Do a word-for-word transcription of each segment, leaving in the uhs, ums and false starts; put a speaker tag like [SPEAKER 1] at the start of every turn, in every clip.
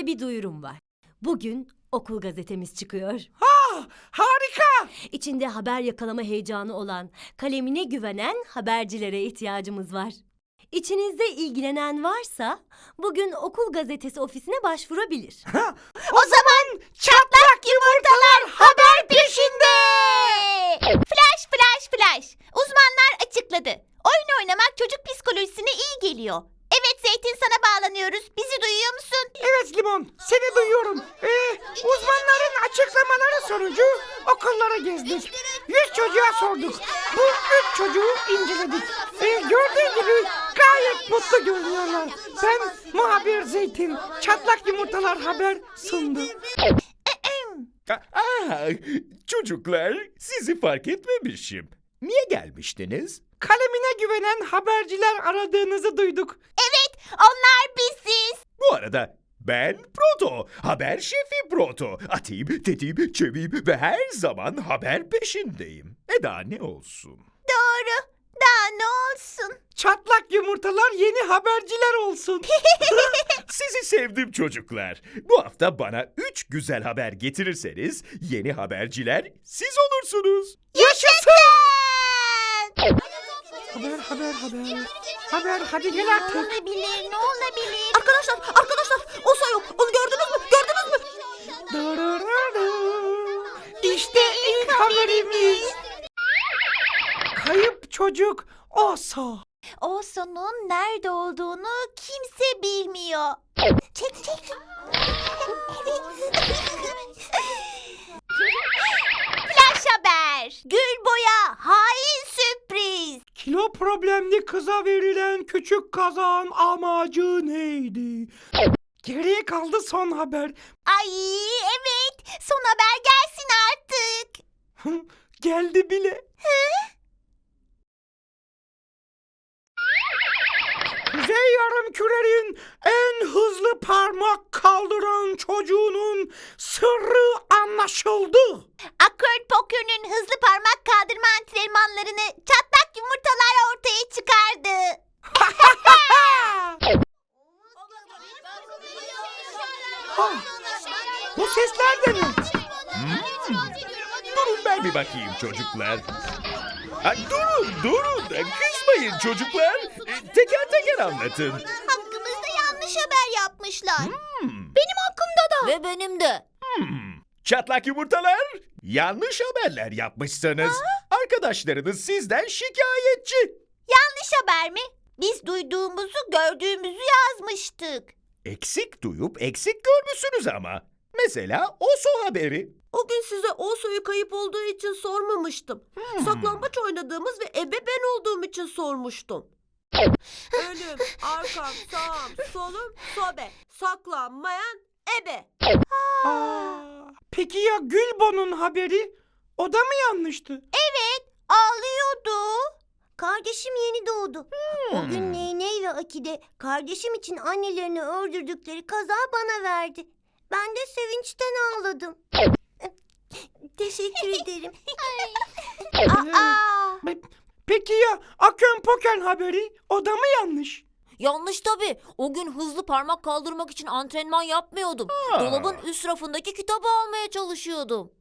[SPEAKER 1] Size bir duyurum var. Bugün okul gazetemiz çıkıyor.
[SPEAKER 2] Ah, harika!
[SPEAKER 1] İçinde haber yakalama heyecanı olan, kalemine güvenen habercilere ihtiyacımız var. İçinizde ilgilenen varsa bugün okul gazetesi ofisine başvurabilir.
[SPEAKER 2] O zaman çatlak yumurtalar haber peşinde!
[SPEAKER 3] Flash flash flash. Uzmanlar açıkladı. Oyun oynamak çocuk psikolojisine iyi geliyor. Evet Zeytin, sana bağlanıyoruz. Bizi duyuyor musun?
[SPEAKER 2] Evet Limon, seni duyuyorum. Ee, uzmanların açıklamaları sonucu okullara gezdik. Yüz çocuğa sorduk. Bu üç çocuğu inceledik. Ee, gördüğün gibi gayet mutlu görünüyorlar. Ben muhabir Zeytin, çatlak yumurtalar haber sundu.
[SPEAKER 4] Aa, çocuklar, sizi fark etmemişim. Niye gelmiştiniz?
[SPEAKER 2] Kalemine güvenen haberciler aradığınızı duyduk.
[SPEAKER 3] Evet, onlar biziz.
[SPEAKER 4] Bu arada ben Proto, haber şefi Proto. Atayım, tetiğim, çeviyim ve her zaman haber peşindeyim. E daha ne olsun?
[SPEAKER 3] Doğru. Daha ne olsun?
[SPEAKER 2] Çatlak yumurtalar yeni haberciler olsun.
[SPEAKER 4] Sizi sevdim çocuklar. Bu hafta bana üç güzel haber getirirseniz yeni haberciler siz olursunuz.
[SPEAKER 2] Yaşasın! Haber, haber, haber. Haber, hadi gel artık.
[SPEAKER 3] Olabilir, ne olabilir?
[SPEAKER 1] Arkadaşlar, arkadaşlar, Oso yok. Onu gördünüz mü? Gördünüz mü?
[SPEAKER 2] Dararara. İşte ilk haberimiz. Kayıp çocuk Oso.
[SPEAKER 3] Oso'nun nerede olduğunu kimse bilmiyor. Çek çek. Flash haber. Gülboy'a hain sürpriz.
[SPEAKER 2] Kilo problemli kıza verilen küçük kazağın amacı neydi? Geriye kaldı son haber.
[SPEAKER 3] Ay evet. Son haber gelsin artık.
[SPEAKER 2] Geldi bile. Kuzey Yarımküre'nin en hızlı parmak kaldıran çocuğunun sırrı anlaşıldı.
[SPEAKER 3] Akört Pokür'ün hızlı parmak kaldırma antrenmanlarını çatlak yumurtalar ortaya çıkardı.
[SPEAKER 2] Ha, bu sesler de ne?
[SPEAKER 4] Durun ben bir bakayım çocuklar. Ha, durun, durun. Kızmayın çocuklar. E, Teker teker anlatın.
[SPEAKER 3] Hakkımızda yanlış haber yapmışlar.
[SPEAKER 4] Hmm,
[SPEAKER 3] Benim hakkımda da. Ve benim de.
[SPEAKER 4] hmm. Çatlak yumurtalar, yanlış haberler yapmışsınız. Arkadaşlarınız sizden şikayetçi.
[SPEAKER 3] Yanlış haber mi? Biz duyduğumuzu, gördüğümüzü yazmıştık.
[SPEAKER 4] Eksik duyup eksik görmüşsünüz ama. Mesela Oso haberi.
[SPEAKER 1] O gün size Oso'yu kayıp olduğu için sormamıştım. Saklambaç oynadığımız ve ebe ben olduğum için sormuştum. Önüm, arkam, sağım, solum, sobe. Saklanmayan ebe.
[SPEAKER 2] Aa, peki ya Gülbo'nun haberi? O da mı yanlıştı?
[SPEAKER 3] Evet, ağlıyordu. Kardeşim yeni doğdu. O gün Neyney ve Akide kardeşim için annelerini öldürdükleri kazağı bana verdi. Ben de sevinçten ağladım. Teşekkür ederim. Aa,
[SPEAKER 2] Pe- Peki ya Akön Poken haberi? O da mı yanlış?
[SPEAKER 5] Yanlış tabii. O gün hızlı parmak kaldırmak için antrenman yapmıyordum.
[SPEAKER 4] Aa.
[SPEAKER 5] Dolabın üst rafındaki kitabı almaya çalışıyordum.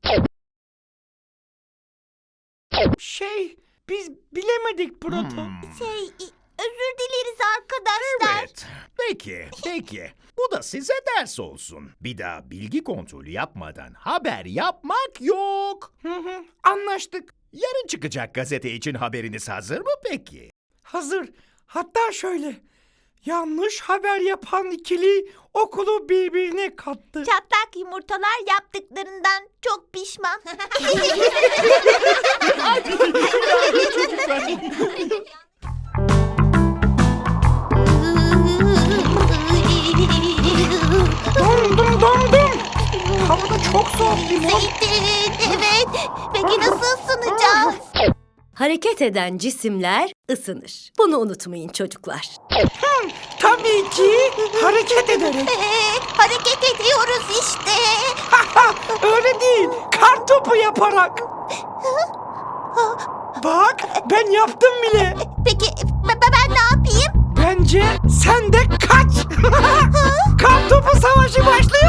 [SPEAKER 2] Şey, biz bilemedik Proto.
[SPEAKER 4] Hmm,
[SPEAKER 3] şey, özür dileriz arkadaşlar.
[SPEAKER 4] Evet. Peki, peki. Bu da size ders olsun. Bir daha bilgi kontrolü yapmadan haber yapmak yok.
[SPEAKER 2] Hı hı, anlaştık.
[SPEAKER 4] Yarın çıkacak gazete için haberiniz hazır mı peki?
[SPEAKER 2] Hazır. Hatta şöyle. Yanlış haber yapan ikili okulu birbirine kattı.
[SPEAKER 3] Çatlak yumurtalar yaptıklarından çok pişman.
[SPEAKER 2] Dondum dondum. Havada çok soğuk Limon.
[SPEAKER 3] Zeytin, evet. Peki nasıl ısınacağız?
[SPEAKER 1] Hareket eden cisimler ısınır. Bunu unutmayın çocuklar.
[SPEAKER 2] Tabii ki hareket ederek.
[SPEAKER 3] Ee, hareket ediyoruz işte.
[SPEAKER 2] Öyle değil. Kar topu yaparak. Bak ben yaptım bile.
[SPEAKER 3] Peki ben, ben ne yapayım?
[SPEAKER 2] Bence sen de kaç. Kar topu savaşı başlıyor.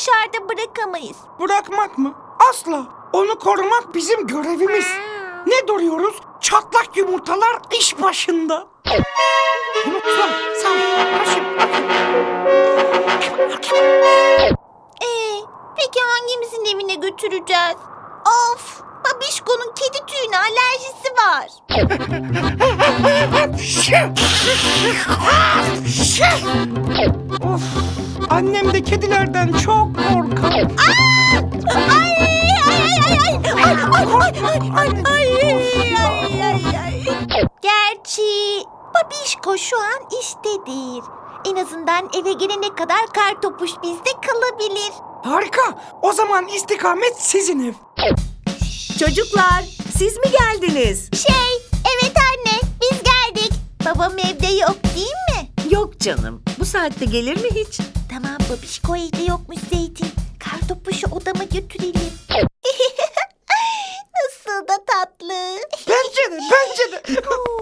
[SPEAKER 3] dışarıda bırakamayız.
[SPEAKER 2] Bırakmak mı? Asla. Onu korumak bizim görevimiz. Ne duruyoruz? Çatlak yumurtalar iş başında. Yumurtalar, sağ ol. Başım,
[SPEAKER 3] Ee, peki hangimizin evine götüreceğiz? Of, Babişko'nun kedi tüyüne alerjisi var.
[SPEAKER 2] Of, annem de kedilerden çok korkar.
[SPEAKER 3] Ay, ay, ay, ay, ay, ay, ay, ay, ay, ay, ay, ay. Gerçi Babişko şu an işte değil. En azından eve gelene kadar Kartopuş bizde kalabilir.
[SPEAKER 2] Harika. O zaman istikamet sizin ev.
[SPEAKER 1] Çocuklar, siz mi geldiniz?
[SPEAKER 3] Şey, evet anne, biz geldik. Babam evde yok değil mi?
[SPEAKER 1] Yok canım. Bu saatte gelir mi hiç?
[SPEAKER 3] Tamam, Babişko evde yokmuş Zeytin. Kartopuşu odama götürelim. Nasıl da tatlı.
[SPEAKER 2] Bence de, bence de.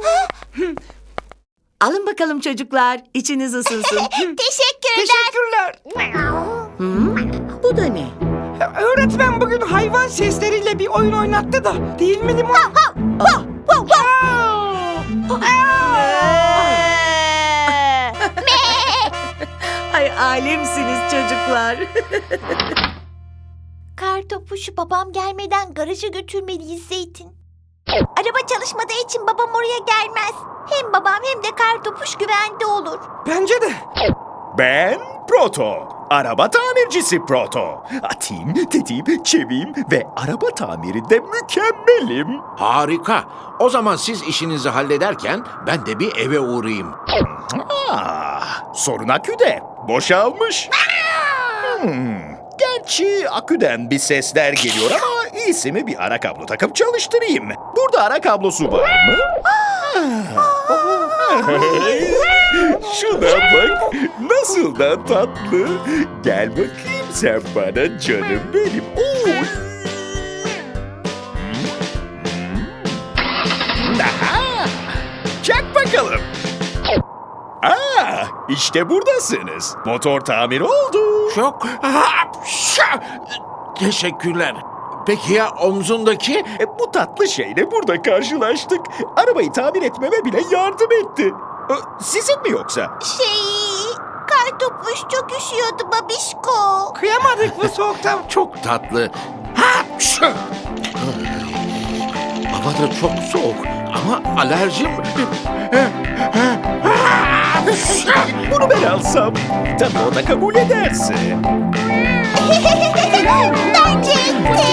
[SPEAKER 1] Alın bakalım çocuklar. İçiniz ısınsın.
[SPEAKER 3] Teşekkürler.
[SPEAKER 2] Teşekkürler.
[SPEAKER 1] Hmm, bu da ne?
[SPEAKER 2] Öğretmen bugün hayvan sesleriyle bir oyun oynattı da. Değil mi Limon?
[SPEAKER 1] Ay alemsiniz çocuklar.
[SPEAKER 3] Kartopuşu babam gelmeden garaja götürmeliyiz Zeytin. Araba çalışmadığı için babam oraya gelmez. Hem babam hem de Kartopuş güvende olur.
[SPEAKER 2] Bence de.
[SPEAKER 4] Ben Proto. Araba tamircisi Proto. Atayım, tetiğim, çeviyim ve araba tamirinde mükemmelim.
[SPEAKER 6] Harika. O zaman siz işinizi hallederken ben de bir eve uğrayayım.
[SPEAKER 4] Ah, sorun aküde. Boşalmış. Hmm, gerçi aküden bir sesler geliyor ama iyisi mi bir ara kablo takıp çalıştırayım. Burada ara kablosu var mı? Şuna bak. Nasıl da tatlı. Gel bakayım sen bana canım benim. Oy. Aha! Çak bakalım. Aa, işte buradasınız. Motor tamir oldu.
[SPEAKER 6] Çok... Hapşa! Teşekkürler. Peki ya omzundaki?
[SPEAKER 4] E, bu tatlı şeyle burada karşılaştık. Arabayı tamir etmeme bile yardım etti. E, sizin mi yoksa?
[SPEAKER 3] Şey, Kartopuş çok üşüyordu Babişko.
[SPEAKER 2] Kıyamadık bu soğukta.
[SPEAKER 6] Çok tatlı. Hapşa! Hava da çok soğuk ama alerjim...
[SPEAKER 4] Bunu ben alsam. Tabii o da kabul ederse.
[SPEAKER 3] Bence etti.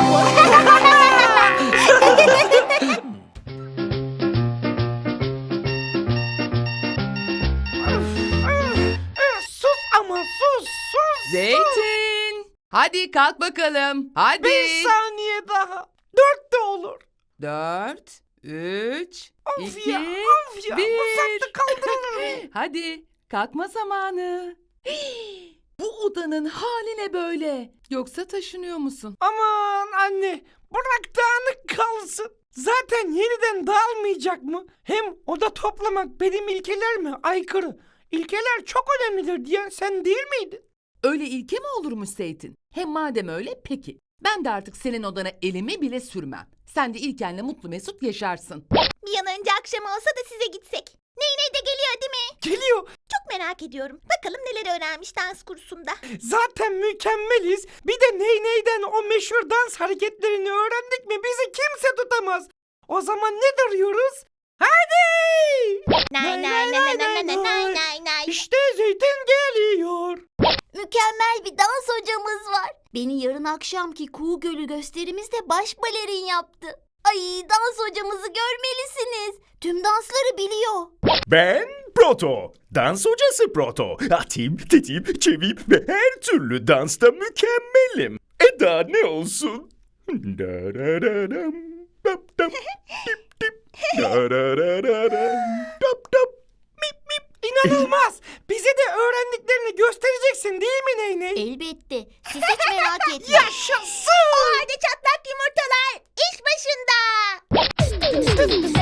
[SPEAKER 2] Sus ama sus sus.
[SPEAKER 7] Zeytin! Hadi kalk bakalım. Hadi.
[SPEAKER 2] Bir saniye daha. Dört de olur.
[SPEAKER 7] Dört, üç,
[SPEAKER 2] Of
[SPEAKER 7] iki,
[SPEAKER 2] ya of ya. Bu
[SPEAKER 7] bir.
[SPEAKER 2] saatte kaldırılır mı?
[SPEAKER 7] Hadi kalkma zamanı. Hii, bu odanın hali ne böyle? Yoksa taşınıyor musun?
[SPEAKER 2] Aman anne. Bırak dağınık kalsın. Zaten yeniden dağılmayacak mı? Hem oda toplamak benim ilkelerime aykırı. İlkeler çok önemlidir diyen sen değil miydin?
[SPEAKER 7] Öyle ilke mi olurmuş Zeytin? Hem madem öyle peki. Ben de artık senin odana elimi bile sürmem. Sen de İlken'le mutlu mesut yaşarsın.
[SPEAKER 3] Bir an önce akşam olsa da size gitsek. Ney ney de geliyor değil mi?
[SPEAKER 2] Geliyor.
[SPEAKER 3] Çok merak ediyorum. Bakalım neler öğrenmiş dans kursunda.
[SPEAKER 2] Zaten mükemmeliz. Bir de ney neyden o meşhur dans hareketlerini öğrendik mi bizi kimse tutamaz. O zaman ne duruyoruz? Hadi!
[SPEAKER 3] Nay nay nay nay nay nay nay nay nay.
[SPEAKER 2] İşte Zeytin geliyor.
[SPEAKER 3] Mükemmel bir dans hocamız var. Beni yarın akşamki Kuğu Gölü gösterimizde baş balerin yaptı. Ay, dans hocamızı görmelisiniz. Tüm dansları biliyor.
[SPEAKER 4] Ben Proto. Dans hocası Proto. Atayım, tetiğim, çeviyim ve her türlü dansta mükemmelim. E daha ne olsun? Darararam, dap dap, dip dip, darararam, dap dap, mip mip.
[SPEAKER 2] İnanılmaz. Bize de öğrendiklerini göstereceksin değil mi Ney Ney?
[SPEAKER 3] Elbette. Siz hiç merak etmeyin.
[SPEAKER 2] Yaşasın.
[SPEAKER 3] O halde çatlak yumurtalar iş başında.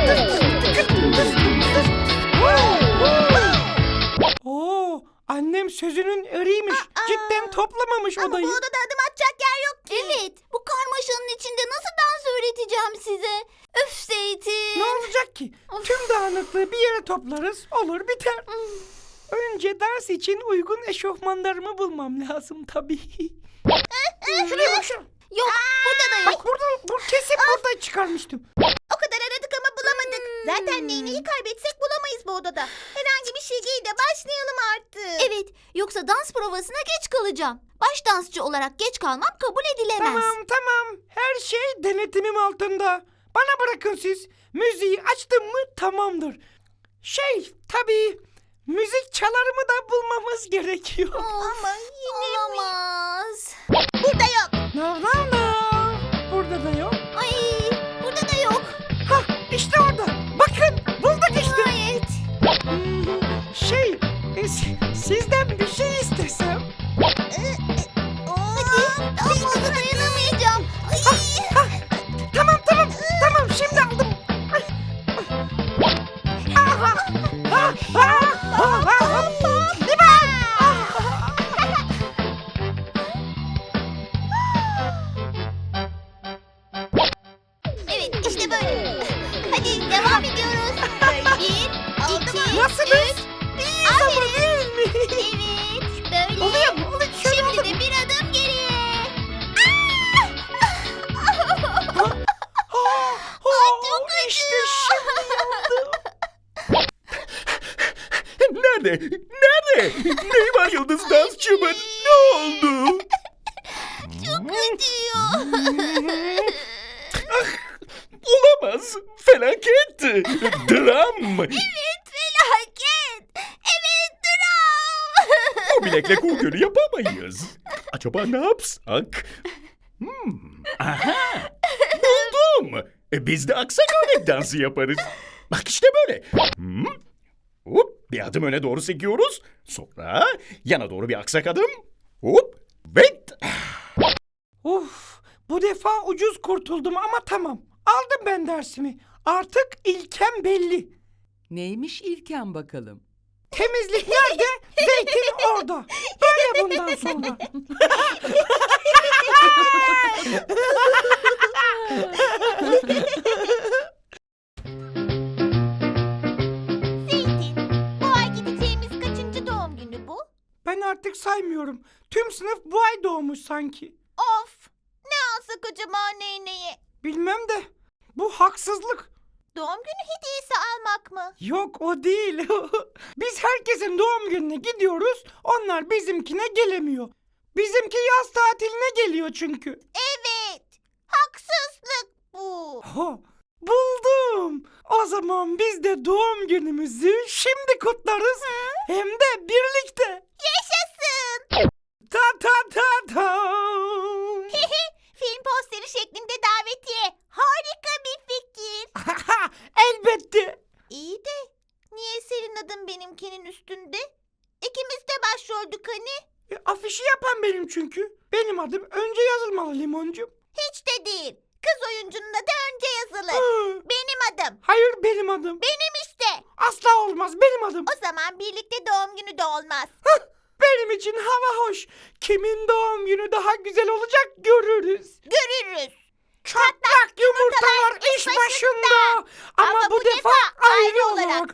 [SPEAKER 2] Oo, annem sözünün eriymiş. Cidden toplamamış odayı.
[SPEAKER 3] Ama bu odada adım atacak yer yok ki. Evet. Bu karmaşanın içinde nasıl dans öğreteceğim size? Öf Zeytin.
[SPEAKER 2] Ne olacak ki? Tüm dağınıklığı bir yere toplarız, olur biter. Önce dans için uygun eşofmanlarımı bulmam lazım tabii. Şuraya bak şuraya.
[SPEAKER 3] Yok burada da yok.
[SPEAKER 2] Bak burada, bu kesin burada çıkarmıştım.
[SPEAKER 3] O kadar aradık ama bulamadık. Zaten neyneyi kaybetsek bulamayız bu odada. Herhangi bir şey giy de başlayalım artık. Evet, yoksa dans provasına geç kalacağım. Baş dansçı olarak geç kalmam kabul edilemez.
[SPEAKER 2] Tamam tamam, her şey denetimim altında. Bana bırakın siz. Müziği açtım mı tamamdır. Şey tabii, müzik çalarımı da bulmamız gerekiyor.
[SPEAKER 3] Ama yine olamaz. Burada yok.
[SPEAKER 2] No no no. Burada da yok.
[SPEAKER 3] Ay, burada da yok.
[SPEAKER 2] Hah işte orada. Bakın bulduk işte.
[SPEAKER 3] Evet.
[SPEAKER 2] Hmm, Şey e, si- sizden bir şey istesem.
[SPEAKER 3] Hadi, daha fazla dayanamayacağım. Ay.
[SPEAKER 2] Tamam tamam tamam şimdi aldım. Aha, ah, ah, ah, ah. Limon!
[SPEAKER 3] Evet, işte böyle. Hadi devam ediyoruz. Bir, iki,
[SPEAKER 2] Nasılız?
[SPEAKER 3] üç. Aferin. Evet, böyle.
[SPEAKER 2] Oluyor mu? Oluyor. Şöyle
[SPEAKER 3] Şimdi
[SPEAKER 2] oldu.
[SPEAKER 3] de bir adım geriye.
[SPEAKER 2] Oh, işte şimdi.
[SPEAKER 4] Nerede? Nerede? Neyi var Yıldız dansçımın? Ne oldu?
[SPEAKER 3] Acıyor.
[SPEAKER 4] Olamaz. Felaket. Dram.
[SPEAKER 3] Evet, felaket. Evet, dram.
[SPEAKER 4] Bu bilekle kuğu gölü yapamayız. Acaba ne yapsak? Hmm. Aha. Buldum. E, biz de aksak örnek dansı yaparız. Bak işte böyle. Hmm. Hop, bir adım öne doğru sekiyoruz. Sonra yana doğru bir aksak adım. Hop. Ve
[SPEAKER 2] Uf, bu defa ucuz kurtuldum ama tamam. Aldım ben dersimi. Artık ilkem belli.
[SPEAKER 7] Neymiş ilken bakalım?
[SPEAKER 2] Temizlik nerede? Zeytin orada. Böyle bundan sonra.
[SPEAKER 3] Zeytin, bu ay gideceğimiz kaçıncı doğum günü bu?
[SPEAKER 2] Ben artık saymıyorum. Tüm sınıf bu ay doğmuş sanki.
[SPEAKER 3] Of, ne alsak acaba neyneye?
[SPEAKER 2] Bilmem de bu haksızlık.
[SPEAKER 3] Doğum günü hediyesi almak mı?
[SPEAKER 2] Yok o değil. Biz herkesin doğum gününe gidiyoruz. Onlar bizimkine gelemiyor. Bizimki yaz tatiline geliyor çünkü.
[SPEAKER 3] Evet, haksızlık bu.
[SPEAKER 2] Ha, buldum. O zaman biz de doğum günümüzü şimdi kutlarız. Hem de birlikte.
[SPEAKER 3] Yaşasın.
[SPEAKER 2] Ta ta ta ta.
[SPEAKER 3] Film posteri şeklinde davetiye. Harika bir fikir.
[SPEAKER 2] Elbette.
[SPEAKER 3] İyi de niye senin adın benimkinin üstünde? İkimiz de başroldük hani.
[SPEAKER 2] E, afişi yapan benim çünkü. Benim adım önce yazılmalı Limoncuğum.
[SPEAKER 3] Hiç de değil. Kız oyuncunun adı önce yazılır.
[SPEAKER 2] Hı,
[SPEAKER 3] Benim adım.
[SPEAKER 2] Hayır benim adım.
[SPEAKER 3] Benim işte.
[SPEAKER 2] Asla olmaz benim adım.
[SPEAKER 3] O zaman birlikte doğum günü de olmaz.
[SPEAKER 2] Benim için hava hoş. Kimin doğum günü daha güzel olacak görürüz.
[SPEAKER 3] Görürüz.
[SPEAKER 2] Çatlak yumurtalar iş başında. Ama,
[SPEAKER 3] Ama
[SPEAKER 2] bu
[SPEAKER 3] bu
[SPEAKER 2] defa
[SPEAKER 3] defa
[SPEAKER 2] ayrı
[SPEAKER 3] ayrı
[SPEAKER 2] olarak.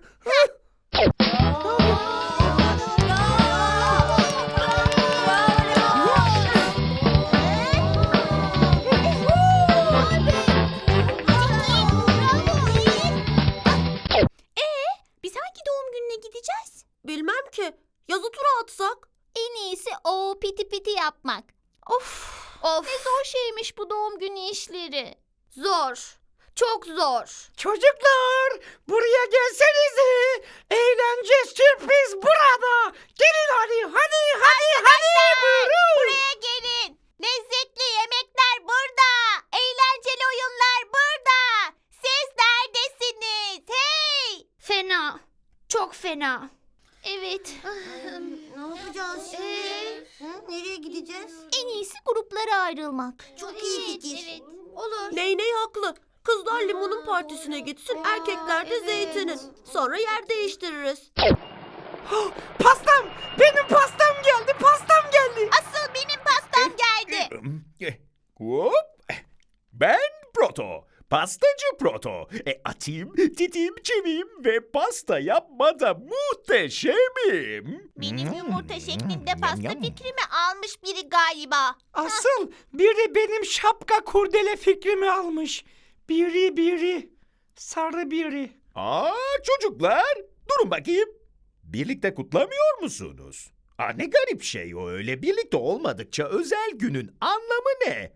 [SPEAKER 3] Biz hangi doğum gününe gideceğiz?
[SPEAKER 1] Bilmem ki. Yazı tura atsak.
[SPEAKER 3] En iyisi o piti piti yapmak. Of. Of. Ne zor şeymiş bu doğum günü işleri. Zor. Çok zor.
[SPEAKER 2] Çocuklar buraya gelsenize. Eğlence sürpriz burada. Gelin hadi hadi hadi hadi. Buyurun.
[SPEAKER 3] Buraya gelin. Lezzetli yemekler burada. Eğlenceli oyunlar burada. Siz neredesiniz? Hey! Fena. Çok fena. Evet.
[SPEAKER 8] Ne yapacağız şimdi? Hı? Nereye gideceğiz?
[SPEAKER 3] En iyisi gruplara ayrılmak.
[SPEAKER 8] Çok iyi fikir.
[SPEAKER 3] Olur.
[SPEAKER 1] Ney ney haklı. Kızlar Limon'un partisine gitsin, erkekler de Zeytin'in. Sonra yer değiştiririz.
[SPEAKER 2] Pastam! Benim pastam geldi, pastam geldi.
[SPEAKER 3] Asıl benim pastam geldi.
[SPEAKER 4] Hop. Ben Proto. Pastacı Proto. E, atayım, titiyim, çeviyim ve pasta yapmada muhteşemim.
[SPEAKER 3] Benim yumurta şeklinde pasta fikrimi almış biri galiba.
[SPEAKER 2] Asıl biri benim şapka kurdele fikrimi almış. Biri biri. Sarı biri.
[SPEAKER 4] Aa çocuklar, durun bakayım. Birlikte kutlamıyor musunuz? Aa, ne garip şey o öyle. Birlikte olmadıkça özel günün anlamı ne?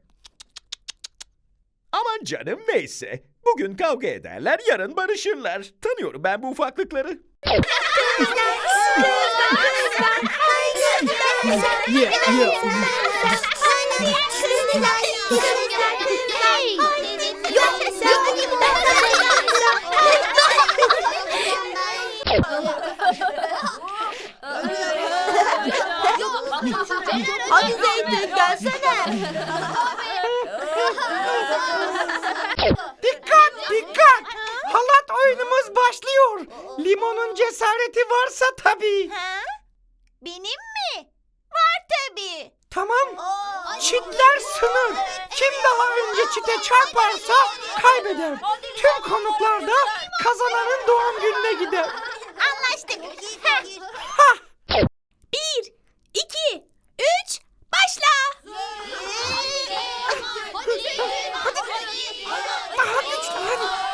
[SPEAKER 4] Aman canım neyse. Bugün kavga ederler, yarın barışırlar. Tanıyorum ben bu ufaklıkları.
[SPEAKER 1] Hadi Zeytin gelsene.
[SPEAKER 2] Dikkat dikkat. Halat oyunumuz başlıyor. Limonun cesareti varsa tabii.
[SPEAKER 3] Ha? Benim mi? Var tabii.
[SPEAKER 2] Tamam. Çitler sınır. Kim daha önce çite çarparsa kaybeder. Tüm konuklar da kazananın doğum gününe gider.
[SPEAKER 3] Anlaştık.
[SPEAKER 2] Ha!
[SPEAKER 3] Bir, iki, üç, başla.
[SPEAKER 2] Daha güçlü hadi.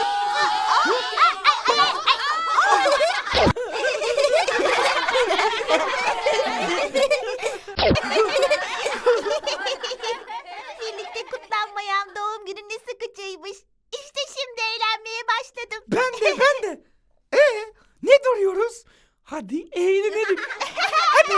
[SPEAKER 3] Birlikte kutlanmayan doğum günü ne sıkıcıymış. İşte şimdi eğlenmeye başladım.
[SPEAKER 2] Ben de ben de. Ee, ne duruyoruz? Hadi eğlenelim. Hadi.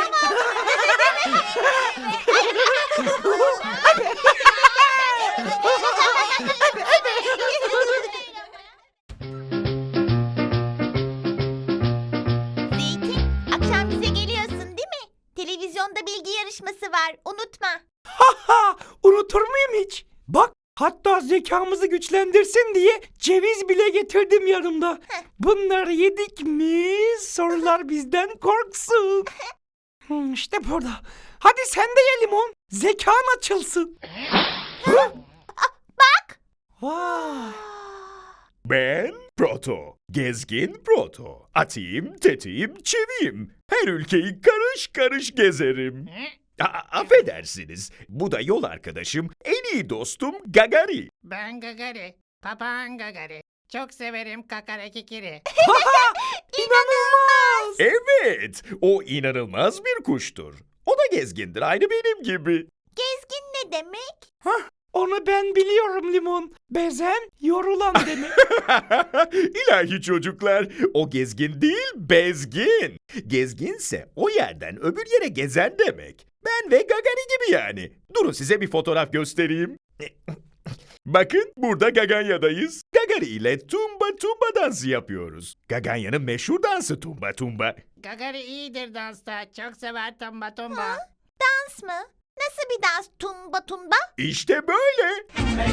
[SPEAKER 3] Zeytin, akşam bize geliyorsun değil mi? Televizyonda bilgi yarışması var, unutma.
[SPEAKER 2] Ha, unutur muyum hiç? Bak, hatta zekamızı güçlendirsin diye ceviz bile getirdim yanımda. Bunları yedik mi sorular bizden korksun. Hmm, işte burada. Hadi sen de ye limon. Zekan açılsın. Hı?
[SPEAKER 3] Bak.
[SPEAKER 2] Vay.
[SPEAKER 4] Ben Proto. Gezgin Proto. Atayım, tetiğim, çeviyim. Her ülkeyi karış karış gezerim. A- affedersiniz. Bu da yol arkadaşım, en iyi dostum Gagari.
[SPEAKER 9] Ben Gagari. Papağan Gagari. Çok severim kakara kikiri.
[SPEAKER 2] İnanılmaz.
[SPEAKER 4] Evet, o inanılmaz bir kuştur. O da gezgindir, aynı benim gibi.
[SPEAKER 3] Gezgin ne demek?
[SPEAKER 2] Onu ben biliyorum limon. Bezen yorulan demek.
[SPEAKER 4] İlahi çocuklar, o gezgin değil, bezgin. Gezginse o yerden öbür yere gezen demek. Ben ve Gagani gibi yani. Durun size bir fotoğraf göstereyim. Bakın burada Gaganya'dayız. Gagari ile tumba tumba dansı yapıyoruz. Gaganya'nın meşhur dansı tumba tumba.
[SPEAKER 9] Gagari iyidir dansta. Çok sever tomba tomba.
[SPEAKER 3] Dans mı? Nasıl bir dans? Tumba tumba?
[SPEAKER 4] İşte böyle.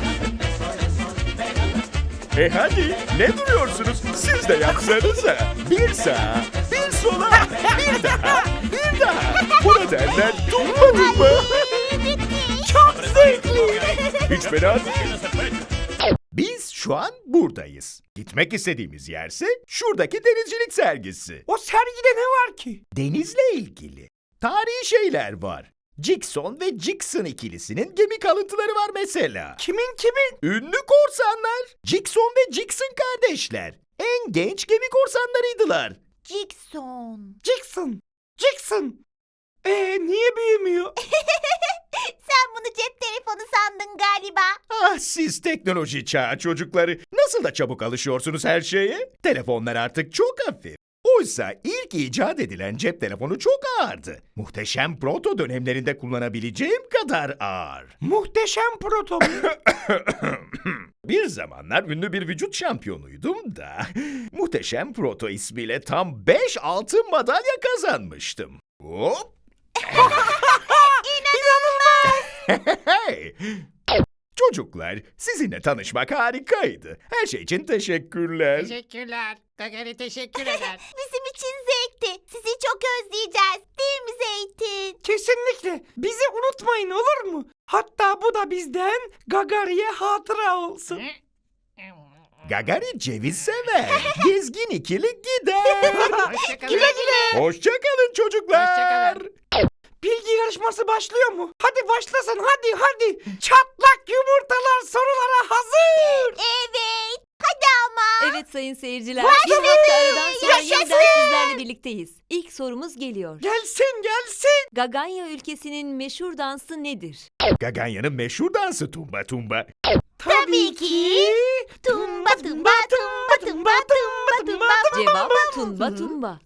[SPEAKER 4] E hadi ne duruyorsunuz? Siz de yapsanıza. Bir sağa, bir sola, bir daha, bir daha. Buna derler tumba tumba.
[SPEAKER 2] Çok zevkli.
[SPEAKER 4] Hiç fena değil. Biz şu an buradayız. Gitmek istediğimiz yerse şuradaki denizcilik sergisi.
[SPEAKER 2] O sergide ne var ki?
[SPEAKER 4] Denizle ilgili tarihi şeyler var. Jackson ve Jackson ikilisinin gemi kalıntıları var mesela.
[SPEAKER 2] Kimin kimin?
[SPEAKER 4] Ünlü korsanlar. Jackson ve Jackson kardeşler. En genç gemi korsanlarıydılar.
[SPEAKER 3] Jackson.
[SPEAKER 2] Jackson. Jackson. Ee, niye büyümüyor?
[SPEAKER 3] Sen bunu cep telefonu sandın galiba.
[SPEAKER 4] Ah siz teknoloji çağı çocukları. Nasıl da çabuk alışıyorsunuz her şeye? Telefonlar artık çok hafif. Oysa ilk icat edilen cep telefonu çok ağırdı. Muhteşem proto dönemlerinde kullanabileceğim kadar ağır.
[SPEAKER 2] Muhteşem proto.
[SPEAKER 4] Bir zamanlar ünlü bir vücut şampiyonuydum da Muhteşem Proto ismiyle tam beş altın madalya kazanmıştım. Hop! Hey! Çocuklar, sizinle tanışmak harikaydı. Her şey için teşekkürler.
[SPEAKER 9] Teşekkürler. Gagari teşekkür eder.
[SPEAKER 3] Bizim için zevk. bitti. Sizi çok özleyeceğiz. Değil mi Zeytin?
[SPEAKER 2] Kesinlikle. Bizi unutmayın olur mu? Hatta bu da bizden Gagari'ye hatıra olsun.
[SPEAKER 4] Gagari ceviz sever. Gezgin ikili gider.
[SPEAKER 9] Hoşçakalın.
[SPEAKER 2] Güle güle.
[SPEAKER 4] Hoşçakalın çocuklar.
[SPEAKER 9] Hoşçakalın.
[SPEAKER 2] Bilgi yarışması başlıyor mu? Hadi başlasın hadi hadi. Çatlak yumurtalar sorulara hazır.
[SPEAKER 3] Evet. Hadi ama.
[SPEAKER 5] Evet sayın seyirciler. Bir hafta aradan sonra yeniden sizlerle birlikteyiz. İlk sorumuz geliyor.
[SPEAKER 2] Gelsin gelsin.
[SPEAKER 5] Gaganya ülkesinin meşhur dansı nedir?
[SPEAKER 4] Gaganya'nın meşhur dansı tumba tumba.
[SPEAKER 3] Tabii ki. Tumba tumba tumba tumba tumba tumba.
[SPEAKER 5] Cevap tumba tumba.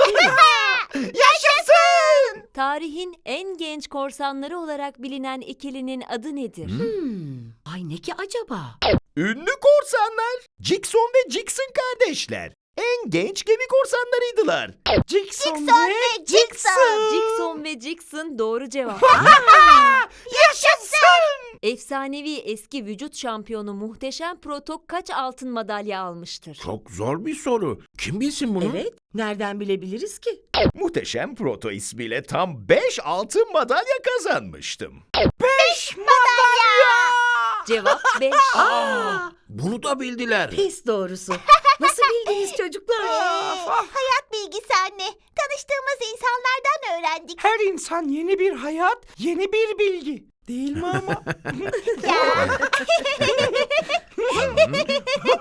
[SPEAKER 2] Yaşasın.
[SPEAKER 5] Tarihin en genç korsanları olarak bilinen ikilinin adı nedir?
[SPEAKER 8] Ay ne ki acaba?
[SPEAKER 4] Ünlü korsanlar. Jackson ve Jackson kardeşler. En genç gemi korsanlarıydılar.
[SPEAKER 2] Jackson,
[SPEAKER 3] Jackson
[SPEAKER 2] ve
[SPEAKER 3] ve Jackson.
[SPEAKER 5] Jackson ve Jackson doğru cevap.
[SPEAKER 2] Yaşasın.
[SPEAKER 5] Efsanevi eski vücut şampiyonu Muhteşem Proto kaç altın madalya almıştır?
[SPEAKER 6] Çok zor bir soru. Kim bilsin bunu?
[SPEAKER 8] Evet. Nereden bilebiliriz ki?
[SPEAKER 4] Muhteşem Proto ismiyle tam beş altın madalya kazanmıştım.
[SPEAKER 2] Beş madalya.
[SPEAKER 5] Cevap beş.
[SPEAKER 8] Aa,
[SPEAKER 6] Bunu da bildiler.
[SPEAKER 8] pis doğrusu. Nasıl bildiniz çocuklar?
[SPEAKER 2] Of, of.
[SPEAKER 3] Hayat bilgisi anne. Tanıştığımız insanlardan öğrendik.
[SPEAKER 2] Her insan yeni bir hayat, yeni bir bilgi. Değil mi ama?
[SPEAKER 3] Ya.